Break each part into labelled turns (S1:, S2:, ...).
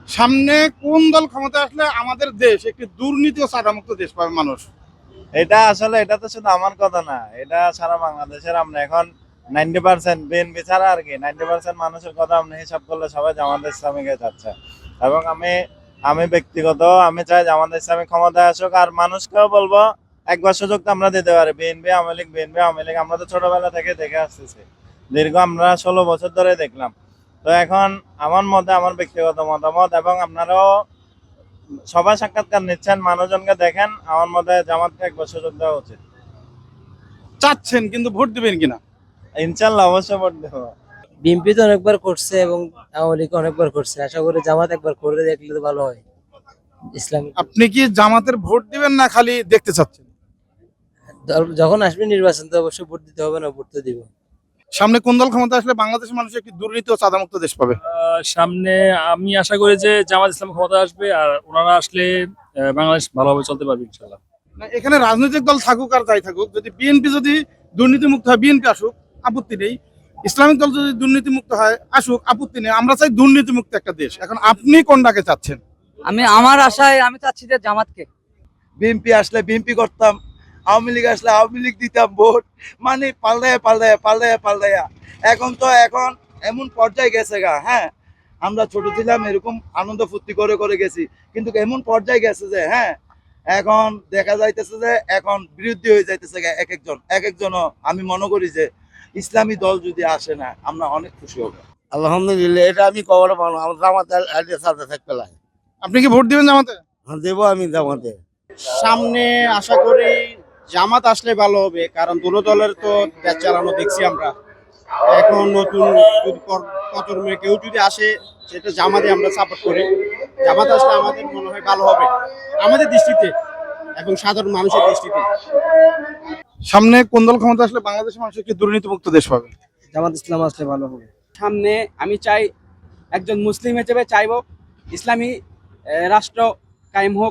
S1: সামনে কোন দল ক্ষমতা আসলে আমাদের দেশ একটি দুর্নীতি ও চাঁদামুক্ত দেশ পাবে মানুষ?
S2: এটা আসলে এটা তো শুধু আমার কথা না, এটা সারা বাংলাদেশের আমরা এখন 90% বিএনপি ছাড়া আর কি 90% মানুষের কথা আপনি হিসাব করলে সবাই জামাত ইসলামীকে যাচ্ছে। এবং আমি ব্যক্তিগত আমি চাই জামাত ইসলামী ক্ষমতায় আসুক, আর মানুষকেও বলবো একবার সুযোগ তো আমরা দিতে পারি। বিএনপি আওয়ামী লীগ আমরা তো ছোটবেলা থেকে দেখে আসতেছি, দীর্ঘ আমরা 16 বছর ধরে দেখলাম। তো এখন আমার মতে, আমার ব্যক্তিগত মতামত, এবং আপনারাও সবাই সাক্ষাৎকার নিচ্ছেন, মানুষজনকে দেখেন, আমার মতে জামাতকে একবার সুযোগ দেওয়া উচিত।
S1: চাচ্ছেন কিন্তু ভোট দিবেন কিনা?
S2: ইনশাল্লাহ অবশ্যই ভোট দেবো।
S3: বিএনপি তো অনেকবার করছে এবং আওয়ামী লীগ অনেকবার করছে, আশা করি জামাত একবার করে দেখলে তো ভালো হয়। ইসলামিক
S1: আপনি কি জামাতের ভোট দিবেন না খালি দেখতে চাচ্ছেন?
S3: দল যখন আসবে নির্বাচন তো অবশ্যই ভোট দিতে হবে, না ভোট তো দিব।
S1: সামনে কোন দল ক্ষমতা আসলে বাংলাদেশের মানুষ একটি দুর্নীতি ও চাঁদামুক্ত দেশ পাবে?
S4: সামনে আমি আশা করি যে জামাত ইসলাম ক্ষমতা আসবে, আর ওনারা আসলে বাংলাদেশ ভালোভাবে চলতে পারবে ইনশাল্লাহ।
S1: না, এখানে রাজনৈতিক দল থাকুক আর যাই থাকুক, যদি বিএনপি যদি দুর্নীতি মুক্ত হয় বিএনপি আসুক, আপত্তি নেই। ইসলামিক দল যদি দুর্নীতি মুক্ত হয় আসুক, আপত্তি নেই। আমরা চাই দুর্নীতি মুক্ত একটা দেশ। এখন আপনি কোনটাকে চাচ্ছেন?
S5: আমার আশায় আমি চাচ্ছি যে জামাতকে।
S2: বিএনপি আসলে বিএনপি করতাম, আওয়ামী লীগ আসলে আওয়ামী লীগ দিতাম ভোট। মানে পাল্টাইয়া এখন এমন পর্যায়ে গেছে গা। হ্যাঁ, আমরা ছোট ছিলাম এরকম আনন্দ ফুর্তি করে করে গেছি, কিন্তু এমন পর্যায়ে গেছে যে হ্যাঁ, এখন দেখা যাইতেছে যে এখন বিরুদ্ধে হয়ে যাইতেছে গা এক একজনও। আমি মনে করি যে ইসলামী দল যদি আসে না, আমরা অনেক খুশি হব।
S6: আলহামদুলিল্লাহ, এটা আমি কবর পাবো আমার জামাতে সাথে থাকতে লাগে।
S1: আপনি কি ভোট দিবেন জামাতে?
S6: দেবো আমি জামাতে।
S7: সামনে আশা করি জামাত আসলে ভালো হবে, কারণ দুটো দলের তো দেশ চালানো দেখছি আমরা। এখন নতুন যদি প্রজন্মে কেউ যদি আসে, সেটা জামাতে আমরা সাপোর্ট করি। জামাত আসলে আমাদের মনে হয় ভালো হবে আমাদের দৃষ্টিতে এবং সাধারণ মানুষের দৃষ্টিতে।
S1: সামনে কোন দল ক্ষমতা আসলে বাংলাদেশের মানুষ একটি দুর্নীতি মুক্ত দেশ পাবে?
S3: জামাত ইসলাম আসলে ভালো হবে।
S5: সামনে আমি চাই, একজন মুসলিম হিসেবে চাইবো ইসলামী রাষ্ট্র কায়েম হোক,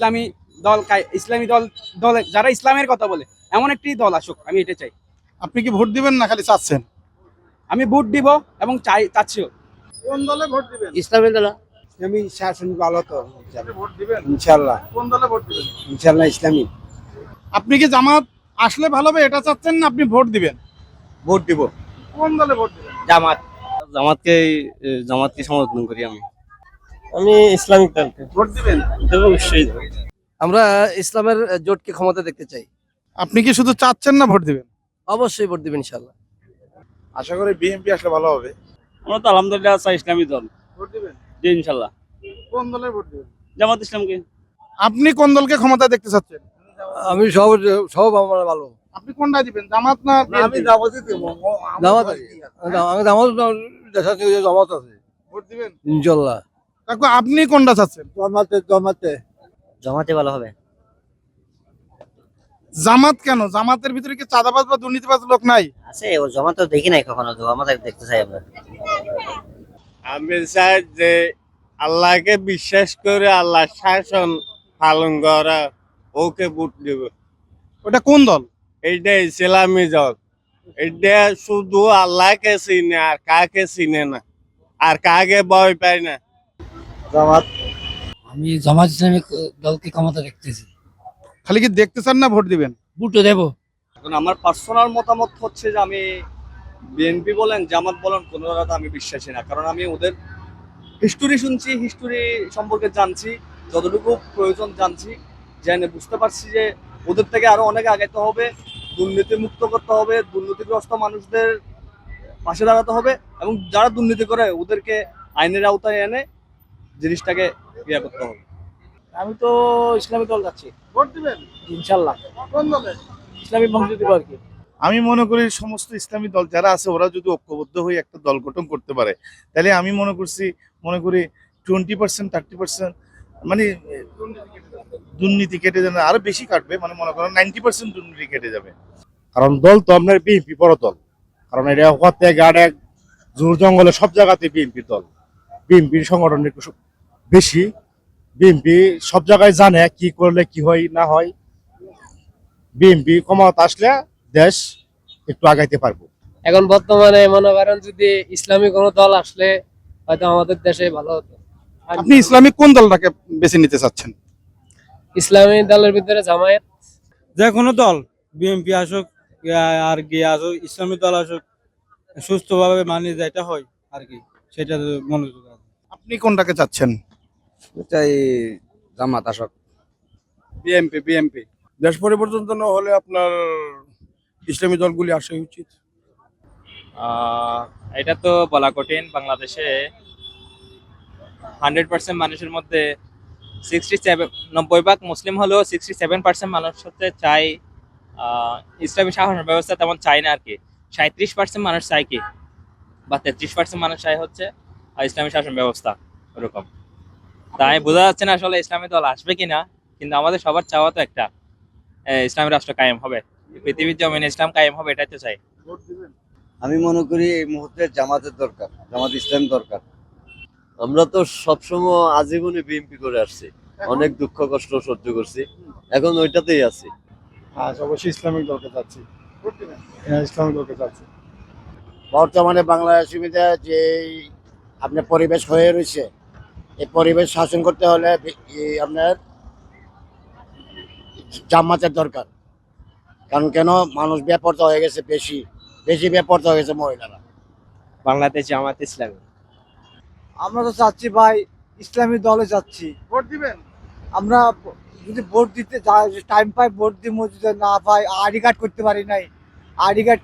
S5: ইসলামী দল দলে যারা ইসলামের কথা বলে এমন একটি দল আসুক, আমি এটা চাই।
S1: আপনি কি ভোট দিবেন না খালি চাচ্ছেন?
S5: আমি ভোট দিব এবং চাচ্ছিও।
S1: কোন দলে ভোট দিবেন?
S3: ইসলামের দল
S6: আমি শাসন ভালো তো
S1: আপনি ভোট দিবেন?
S6: ইনশাল্লাহ।
S1: কোন দলে ভোট দিবেন?
S6: ইনশাল্লাহ ইসলামী।
S1: আপনি কি জামাত আসলে ভালো হবে এটা চাচ্ছেন না আপনি ভোট দিবেন?
S2: ভোট দিব
S1: কোন দলে ভোট দিবেন?
S7: জামাতকে সমর্থন করি আমি।
S3: আমি ইসলামিক দলকে
S1: ভোট দিবেন?
S7: অবশ্যই
S3: আমরা ইসলামের জোটকে ক্ষমতা দেখতে চাই।
S1: আপনি কি শুধু চাচ্ছেন না ভোট দিবেন?
S3: অবশ্যই ভোট দিবেন ইনশাল্লাহ।
S1: আশা করি বিএনপি আসলে ভালো হবে।
S4: আমরা তো আলহামদুলিল্লাহ চাই ইসলামী দল।
S1: ভোট দিবেন?
S4: জি ইনশাল্লাহ।
S1: কোন দলে ভোট দিবেন?
S4: জামাত ইসলামকে।
S1: আপনি কোন দলকে ক্ষমতা দেখতে চাচ্ছেন?
S3: আমি সব আমার ভালো।
S1: আপনি কোনটা দিবেন, জামাত না
S6: আমি
S1: বিএনপি?
S6: জামাতে দেবো।
S3: জামাত আমি জামাত জামাত আছে
S1: ভোট দিবেন?
S3: ইনশাল্লাহ।
S1: কাকু আপনি কোনটা চাচ্ছেন?
S6: জামাতে
S3: জামাতে ভালো হবে।
S1: জামাত কেন? জামাতের ভিতরে কি চাঁদাবাজ বা দুর্নীতিবাজ লোক নাই?
S3: আছে, ও জামাত তো দেখি নাই কখনো, তো আমাদের দেখতে চাই আমরা।
S2: আমি চাই যে আল্লাহকে বিশ্বাস করে আল্লাহ শাসন পালন করা, ওকে ভোট দেব।
S1: ওটা কোন দল?
S2: এইটা ইসলামী দল। এটা শুধু আল্লাহকে চিনে আর কাকে চিনে না, আর কাকে ভয় পায় না।
S6: জামাত।
S3: আমি জামাত ইসলামিক দলকে ক্ষমতা দেখতেছি।
S1: খালি কি দেখতে চান না ভোট দিবেন?
S3: ভোটও দেবো।
S5: এখন আমার পার্সোনাল মতামত হচ্ছে যে আমি বিএনপি বলেন জামাত বলেন কোনোটাতে আমি বিশ্বাসী না, কারণ আমি ওদের হিস্টোরি শুনছি, হিস্টোরি সম্পর্কে জানছি, যতটুকু প্রয়োজন জানছি, জেনে বুঝতে পারছি যে ওদের থেকে আরো অনেক আগাইতে হবে, দুর্নীতি মুক্ত করতে হবে, দুর্নীতিগ্রস্ত মানুষদের পাশে দাঁড়াতে হবে, এবং যারা দুর্নীতি করে ওদেরকে আইনের আওতায় এনে জিনিসটাকে ইয়ে করতে হবে।
S3: আমি তো ইসলামী দল যাচ্ছি
S1: ভোট দিবেন?
S3: ইনশাল্লাহ।
S1: কোন দলে?
S3: ইসলামী বংশ দিব আর কি।
S8: আমি মনে করি সমস্ত ইসলামী দল যারা আছে ওরা যদি ঐক্যবদ্ধ হয়ে একটা দল গঠন করতে পারে, তাহলে আমি মনে করি 20% 30% মানে দুর্নীতি কেটে যাবে, আরো বেশি কাটবে, মানে মনে করেন 90% দুর্নীতি কেটে যাবে।
S6: কারণ দল তো আপনার বিএনপি বড় দল, কারণ এটা হতে গাড়ে জোর জঙ্গলে সব জায়গাতে বিএনপি দল, বিএনপির সংগঠন একটু বেশি। বিএনপি সব জায়গায় জানে কি করলে কি হয় না হয়। বিএনপি ক্ষমতা আসলে দেশ একটু আগাইতে পারবো।
S3: এখন বর্তমানে মনে করেন যদি ইসলামী কোনো দল আসলে হয়তো আমাদের দেশে ভালো হতো।
S1: আপনি ইসলামিক কোন দলটাকে বেছে নিতে চাচ্ছেন?
S3: ইসলামী দলের ভিতরে জামায়াত।
S9: যে কোনো দল, বিএনপি আসুক আর কি আসুক, ইসলামী দল আসুক, সুস্থভাবে মানিয়ে যেটা হয় আর কি, সেটা মনোযোগ আছে।
S1: আপনি কোনটাকে চাচ্ছেন?
S7: চাই জামাত আসুক।
S9: বিএনপি বিএনপি
S10: দেশ পরিবর্তন জন্য হলে আপনার ইসলামী দলগুলি আসা উচিত।
S11: এটা তো বলা কঠিন। বাংলাদেশে 100% মানুষের মধ্যে 90% মুসলিম হলেও 67% মানুষ হচ্ছে চাই ইসলামী শাসন ব্যবস্থা তেমন চাই না আর কি। 37% মানুষ চাই কি, বা 33% মানুষ চাই হচ্ছে ইসলামী শাসন ব্যবস্থা ওরকম। তাই বোঝা যাচ্ছে না আসলে ইসলামী দল আসবে কিনা, কিন্তু আমাদের সবার চাওয়া তো একটা, ইসলামী রাষ্ট্র কায়েম হবে, পৃথিবীর জমিনে ইসলাম কায়েম হবে, এটাই তো চাই।
S5: আমি মনে করি এই মুহূর্তে জামাতের দরকার, জামাত ইসলাম দরকার।
S2: আমরা তো সবসময় আজীবনে বিএনপি করে আসছি, অনেক দুঃখ কষ্ট সহ্য করছি, এখন ওইটাতেই আছি।
S6: অবশ্যই ইসলামিক দলকে চাচ্ছি। ইসলামিক দলকে চাচ্ছি।
S7: বর্তমানে বাংলাদেশের মধ্যে যে আপনার পরিবেশ হয়ে রয়েছে, এই পরিবেশ শাসন করতে হলে আপনার জামাতের দরকার। কারণ কেন, মানুষ বেপরোয়া হয়ে গেছে, বেশি বেশি বেপরোয়া হয়ে গেছে মহিলারা।
S3: বাংলাদেশ জামাত ইসলামী।
S9: আমরা তো চাচ্ছি ভাই ইসলামী দলে যাচ্ছি।
S1: ভোট দিবেন?
S9: আমরা যদি ভোট দিতে টাইম পাই ভোট দিব, যদি না পাই আইডি কার্ড করতে পারি নাই, আইডি কার্ড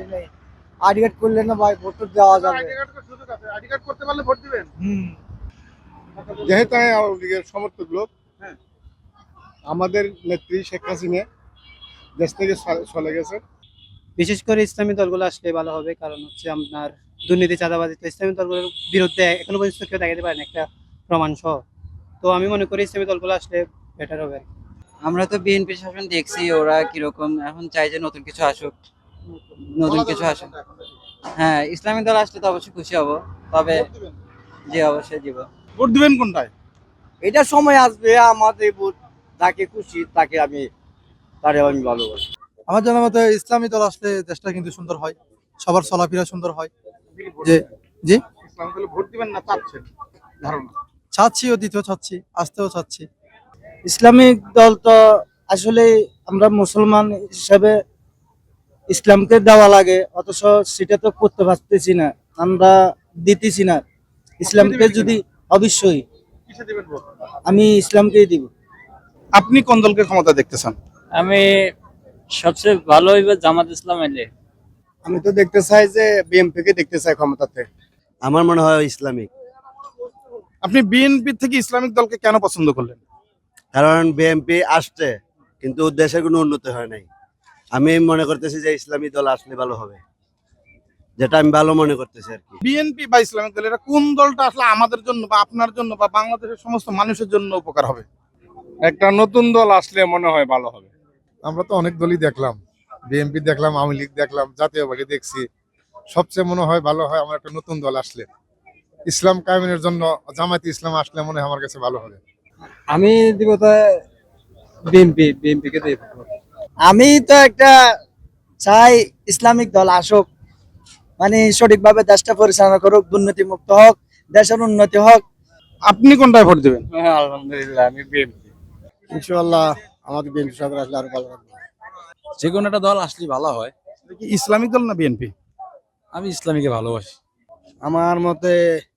S9: করলে না ভাই ভোট দেওয়া যাবে।
S1: আইডি কার্ড করতে পারলে ভোট দিবেন?
S6: যেহেতু আমি আওয়ামী লীগের সমর্থক লোক,
S1: হ্যাঁ।
S6: আমাদের নেত্রী শেখ হাসিনা দেশ থেকে চলে গেছে।
S9: বিশেষ করে ইসলামী দলগুলো আসলে ভালো হবে, কারণ হচ্ছে আপনার দুর্নীতি চাঁদাবাজি তো ইসলামী দলগুলোর বিরুদ্ধে এখনো পর্যন্ত কেউ দেখাতে পারেন একটা প্রমাণ সহ। তো আমি মনে করি ইসলামী দলগুলো আসলে বেটার হবে।
S3: আমরা তো বিএনপি শাসন দেখছি, ওরা কিরকম, এখন চাই যে নতুন কিছু আসুক, নতুন কিছু আসুক। হ্যাঁ, ইসলামী দল আসলে তো অবশ্যই খুশি হব, তবে জি অবশ্যই দিব।
S1: ভোট দিবেন কোনটায়?
S9: এটা সময় আসবে, আমাদের ভোট যাকে খুশি তাকে আমি ভালোবাসি।
S10: আমার জানা মতে ইসলামী দল আসলে দেশটা কিন্তু সুন্দর হয়, সবার চলাফেরা সুন্দর হয়। যে জি
S1: ইসলামিক দলে ভোট দিবেন না চাচ্ছেন ধারণা?
S10: চাচ্ছি, ও দিতেও চাচ্ছি, আসতেও চাচ্ছি।
S9: ইসলামিক দল তো আসলে আমরা মুসলমান হিসাবে ইসলামকে দেওয়া লাগে, অথচ সেটা তো করতে পারতেছি না, আমরা দিতেছি না ইসলামকে। যদি অবশ্যই
S1: কিসে দিবেন ভোট?
S9: আমি ইসলামকেই দিব।
S1: আপনি কোন দলকে ক্ষমতা দেখতে চান?
S11: আমি সবচেয়ে ভালো হইবে জামাত ইসলাম এলে।
S7: আমি তো দেখতে চাই যে বিএনপি কে দেখতে চাই ক্ষমতাতে।
S2: আমার মনে হয় ইসলামিক,
S1: আপনি বিএনপি থেকে ইসলামিক দলকে কেন পছন্দ করলেন?
S2: কারণ বিএনপি আসছে কিন্তু দেশের কোনো উন্নতি হয় নাই। আমি মনে করতেছি যে ইসলামী দল আসলে ভালো হবে, যেটা আমি ভালো মনে করতেছি আর কি।
S1: বিএনপি বা ইসলামিক দল, এটা কোন দলটা আসলে আমাদের জন্য বা আপনার জন্য বা বাংলাদেশের সমস্ত মানুষের জন্য উপকার হবে?
S6: একটা নতুন দল আসলে মনে হয় ভালো হবে। আমরা তো অনেক দলই দেখলাম, বিএনপি দেখলাম, আওয়ামী লীগ দেখলাম, জাতীয় পার্টি দেখছি। সবচেয়ে মনে হয় ভালো হয় আমার একটা নতুন দল আসলে, ইসলাম কায়েমের জন্য জামায়াতে ইসলাম আসলে মনে হয় আমার কাছে ভালো হবে।
S9: আমি দিব তো বিএনপি কে দিব। আমি তো একটা চাই ইসলামিক দল আসুক, মানে সঠিকভাবে দেশটা পরিচালনা করুক, দুর্নীতি মুক্ত হোক, দেশের উন্নতি হোক।
S1: আপনি কোনটায় ভোট দিবেন?
S9: আলহামদুলিল্লাহ আমি বিএনপি।
S7: ইনশাআল্লাহ আমাদের বিএনপি সরকার আসলে আরো ভালো হবে।
S10: যে কোনো একটা দল আসলে ভালো হয়।
S1: এটা কি ইসলামিক দল না বিএনপি?
S10: আমি ইসলামীকে ভালোবাসি।
S7: আমার মতে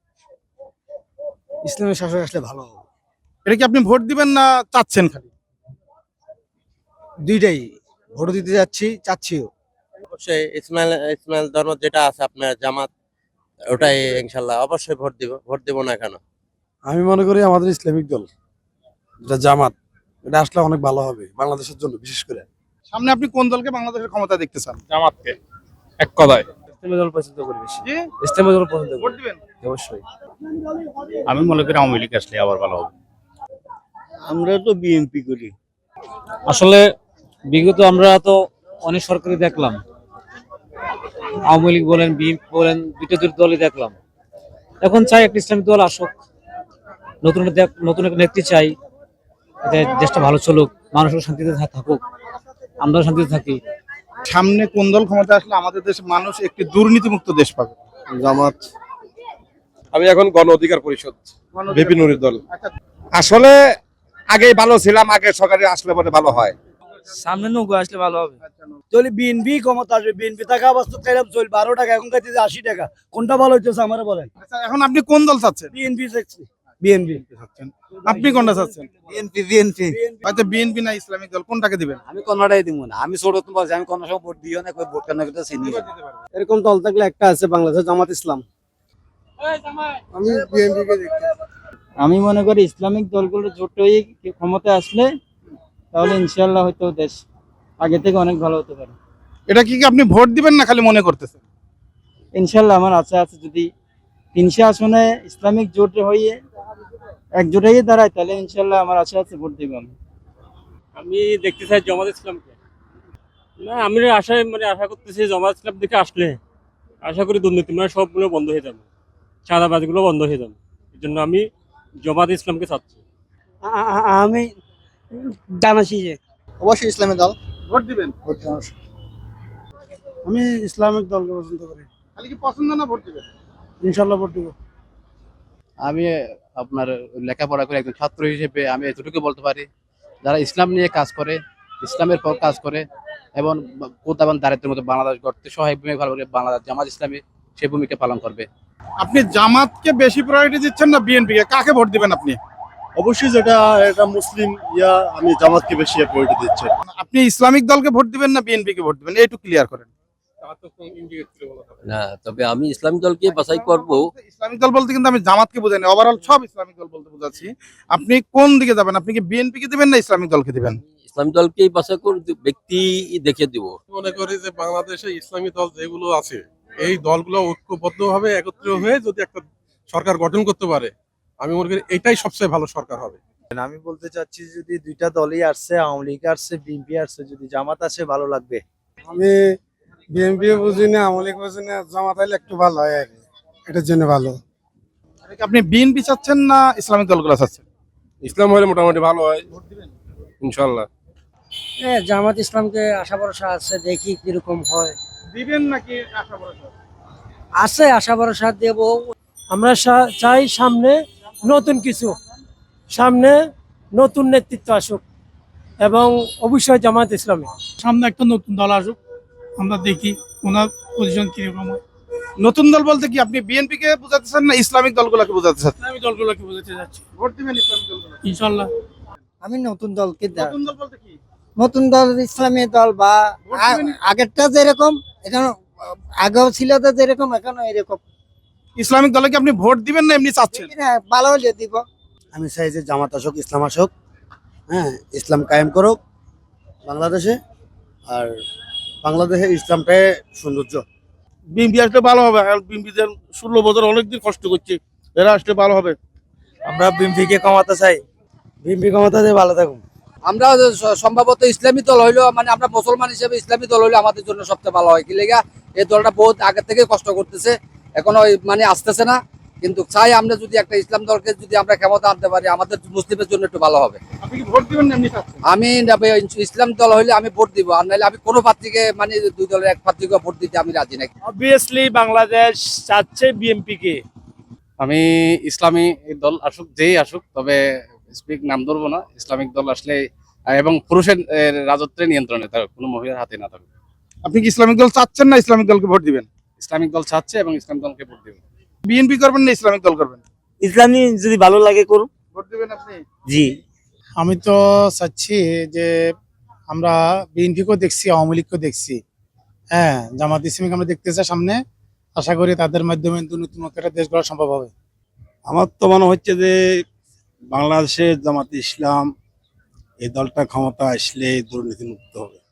S7: ইসলামের শাসক আসলে ভালো হবে।
S1: এটা কি আপনি ভোট দিবেন না চাচ্ছেন খালি?
S7: দুইটাই, ভোট দিতে যাচ্ছি, চাচ্ছিও।
S2: অবশ্যই ইসমাইল ধর্ম যেটা আছে আপনার জামাত, ওটাই ইনশাল্লাহ অবশ্যই ভোট দিব না কেন।
S10: আমি মনে করি আমাদের ইসলামিক দল যেটা জামাত, এটা আসলে অনেক ভালো হবে বাংলাদেশের জন্য, বিশেষ করে।
S1: সামনে আপনি কোন দলকে বাংলাদেশের ক্ষমতা দেখতে চান?
S4: জামাতকে এক কথায়।
S3: ইসলামী দল পছন্দ করি বেশি।
S1: জি?
S3: ইসলামী দল পছন্দ
S1: ভোট
S3: করি
S1: দিবেন?
S3: অবশ্যই।
S11: আমি মনে করি আওয়ামী লীগ আসলে আবার ভালো হবে।
S7: আমরা তো বিএনপি করি।
S3: আসলে বিগত আমরা তো অনেক সরকারি দেখলাম, আওয়ামী লীগ বলেন, বিএনপি বলেন, দুটো দলই দেখলাম। এখন চাই একটা ইসলামিক দল আসুক, নতুন একটা নেত্রী চাই, যাতে দেশটা ভালো চলুক, মানুষও শান্তিতে থাকুক, আমরাও শান্তিতে থাকি।
S1: সামনে কোন দল ক্ষমতা আসলে আমাদের দেশের মানুষ একটি দুর্নীতিমুক্ত দেশ পাবে?
S7: জামাত।
S10: আমি এখন গণ অধিকার পরিষদ
S1: বিপি নুরির দল। আচ্ছা,
S10: আসলে আগে ভালো ছিলাম, আগে সরকারি আসলে পরে ভালো হয়।
S9: সামনে নৌকা আসলে ভালো হবে। চলি বিএনপি ক্ষমতা আসবে, বিএনপি টাকা বাস্তব চাইলাম চল 12 টাকা, এখন কাছে 80 টাকা, কোনটা ভালো হইতেছে আমার বলেন?
S1: আচ্ছা, এখন আপনি কোন দল চাচ্ছেন?
S9: বিএনপি চাচ্ছি, বিএনপি।
S1: আপনি কোনটা চাচ্ছেন?
S9: বিএনপি বিএনপি।
S1: হয়তো বিএনপি না ইসলামিক দল, কোনটাকে দিবেন?
S9: আমি কোনটাই দিব না, আমি ছোট তো বলছি, আমি কোন সময় ভোট দিও না, কই ভোট কেন করতে চিনি। এরকম দল থাকলে একটা আছে বাংলাদেশ, জামাত ইসলাম। আমি বিএনপি কে দেখি। আমি মনে করি ইসলামিক দলগুলো জোট হয়ে ক্ষমতায় আসলে তাহলে ইনশাআল্লাহ হয়তো দেশ আগে থেকে অনেক ভালো হতে পারে।
S1: এটা কি আপনি ভোট দিবেন না খালি মনে করতেছেন?
S9: ইনশাআল্লাহ আমার আশা আছে, যদি 300 আসনে ইসলামিক জোট হয়ে একজোট হয়ে দাঁড়ায় তাহলে ইনশাআল্লাহ আমার আশা আছে ভোট দিব আমি।
S3: আমি দেখতে চাই জামাত ইসলামকে। না, আমি আশা করতেছি জামাত ইসলাম থেকে আসলে আশা করি দুর্নীতি সবগুলো বন্ধ হয়ে যাবে, চাঁদাবাজিগুলো বন্ধ হয়ে যাবে। এই জন্য আমি জামাত ইসলামকে চাচ্ছি।
S9: আমি জানাছি যে অবশ্যই ইসলামিক দল
S1: ভোট দিবেন?
S10: আমি ইসলামিক দলকে পছন্দ করি।
S1: খালি কি পছন্দ না ভোট দিবেন?
S10: ইনশাল্লাহ ভোট দিব।
S7: আমি আপনার লেখাপড়া করে একজন ছাত্র হিসেবে আমি এতটুকু বলতে পারি, যারা ইসলাম নিয়ে কাজ করে, ইসলামের পর কাজ করে এবং কোথাও দারিদ্রের মতো বাংলাদেশ গড়তে সহায়ক ভূমিকা পালন করে, বাংলাদেশ জামাত ইসলামী সেই ভূমিকা পালন করবে।
S1: আপনি জামাতকে বেশি প্রায়োরিটি দিচ্ছেন না বিএনপি কে? কাকে ভোট দিবেন আপনি?
S6: অবশ্যই এটা মুসলিম আমি জামাতকে বেশি প্রায়োরিটি দিচ্ছি।
S1: আপনি ইসলামিক দলকে ভোট দিবেন না বিএনপি কে ভোট দিবেন, একটু ক্লিয়ার করেন।
S12: না, তবে আমি ইসলামী দলকে বাছাই করব।
S1: ইসলামিক দল বলতে কিন্তু আমি জামাতকে বোঝাইনি, ওভারঅল সব ইসলামিক দল বলতে বোঝাচ্ছি। আপনি কোন দিকে যাবেন? আপনি কি বিএনপি কে দিবেন না ইসলামিক দলকে দিবেন?
S12: ইসলামী দলকেই বাছাই করে ব্যক্তি দেখে দিব।
S10: মনে করি যে বাংলাদেশে ইসলামী দল যেগুলো আছে এই দলগুলো ঐক্যবদ্ধভাবে একত্রিত হয়ে যদি একটা সরকার গঠন করতে পারে, আমি মনে করি এটাই সবচেয়ে ভালো সরকার হবে।
S7: আমি বলতে চাচ্ছি যদি দুইটা দলই আসছে, আওয়ামী লীগ আসছে, বিএনপি আসছে, যদি জামাত আসে ভালো লাগবে।
S10: আমি বিএনপি বুঝি না, আওয়ামী লীগ বুঝি না, জামাত হলে একটু ভালো হয় আর কি, এটার জন্য ভালো।
S1: আপনি বিএনপি চাচ্ছেন না ইসলামিক দলগুলো চাচ্ছেন?
S10: ইসলাম হলে মোটামুটি ভালো হয় ইনশাল্লাহ।
S9: জামাত ইসলামকে আশা ভরসা আছে, দেখি কিরকম হয়।
S1: দিবেন নাকি আশা ভরসা?
S9: আছে আশা ভরসা দেব। আমরা চাই সামনে নতুন কিছু, সামনে নতুন নেতৃত্ব আসুক এবং অবশ্যই জামাত ইসলামী সামনে একটা নতুন দল আসুক, আমরা দেখি ওনার পজিশন কিরকম হয়।
S1: নতুন দল বলতে কি আপনি বিএনপি কে বোঝাতেছেন না ইসলামিক দলগুলোকে বোঝাতে চাচ্ছেন?
S9: ইসলামী দলগুলোকে বোঝাতে যাচ্ছি,
S1: ভোট দিবেন ইসলামিক দলগুলো?
S9: ইনশাল্লাহ। আমি নতুন দলকে
S1: নতুন দল বলতে কি?
S9: নতুন দল ইসলামী দল বা
S1: ভোট দিবেন?
S9: আগেরটা যেরকম এখন, আগেও ছিল তো যেরকম এখনো এরকম।
S1: ইসলামিক দলে কি আপনি ভোট দিবেন না এমনি চাচ্ছেন?
S9: ভালো হলে দিব।
S7: আমি চাই যে জামাত আসুক, ইসলাম আসুক, হ্যাঁ, ইসলাম কায়েম করুক বাংলাদেশে, আর বাংলাদেশে ইসলামটাই সৌন্দর্য।
S1: বিএনপি আসলে ভালো হবে। বিএনপি 16 বছর অনেকদিন কষ্ট করছে, এরা আসলে ভালো হবে।
S9: আমরা বিএনপি কে কমাতে চাই, বিএনপি ক্ষমতাতে ভালো থাকুন।
S12: আমরা সম্ভবত ইসলামী দল হইলো, মানে আমরা মুসলমান হিসেবে ইসলামী দল হইলে আমাদের জন্য সবচেয়ে ভালো হয়। কি লেগা এই দলটা বহুত আগে থেকে কষ্ট করতেছে, এখনো মানে আসতেছে না, কিন্তু চাই আমরা যদি একটা ইসলাম দলকে যদি আমরা ক্ষমতা আনতে পারি আমাদের মুসলিমের জন্য একটু ভালো হবে।
S1: আপনি কি ভোট দিবেন না এমনি চাচ্ছেন?
S12: আমি ইসলাম দল হইলে আমি ভোট দিব, আর নাহলে আমি কোনো প্রার্থীকে মানে দুই দলের এক প্রার্থীকে ভোট দিতে আমি রাজি নাই।
S9: অবভিয়াসলি বাংলাদেশ চাচ্ছে বিএনপি কে।
S3: আমি ইসলামী দল আসুক, যেই আসুক, তবে স্পিক নাম ধরবো না। ইসলামিক দল আসলে এবং পুরুষের রাজত্বের নিয়ন্ত্রণে, তার কোনো মহিলার হাতে না থাকবে।
S1: আপনি কি ইসলামিক দল চাচ্ছেন না ইসলামিক দলকে ভোট দিবেন?
S3: ইসলামিক দল চাচ্ছে এবং ইসলাম দলকে ভোট দেবে।
S1: বিএনপি করবেন না ইসলামিক দল করবেন?
S9: ইসলামী যদি ভালো লাগে করুন।
S1: ভোট দিবেন আপনি?
S9: জি,
S10: আমি তো চাচ্ছি যে আমরা বিএনপিকেও দেখছি, আওয়ামী লীগকেও দেখছি, হ্যাঁ, জামাত ইসলামীকে আমরা দেখতে চাই সামনে। আশা করি তাদের মাধ্যমে নতুন একটা দেশ গড়া সম্ভব হবে। আমার তো মনে হচ্ছে যে বাংলাদেশে জামাত ইসলাম এই দলটা ক্ষমতা আসলে দুর্নীতি মুক্ত হবে।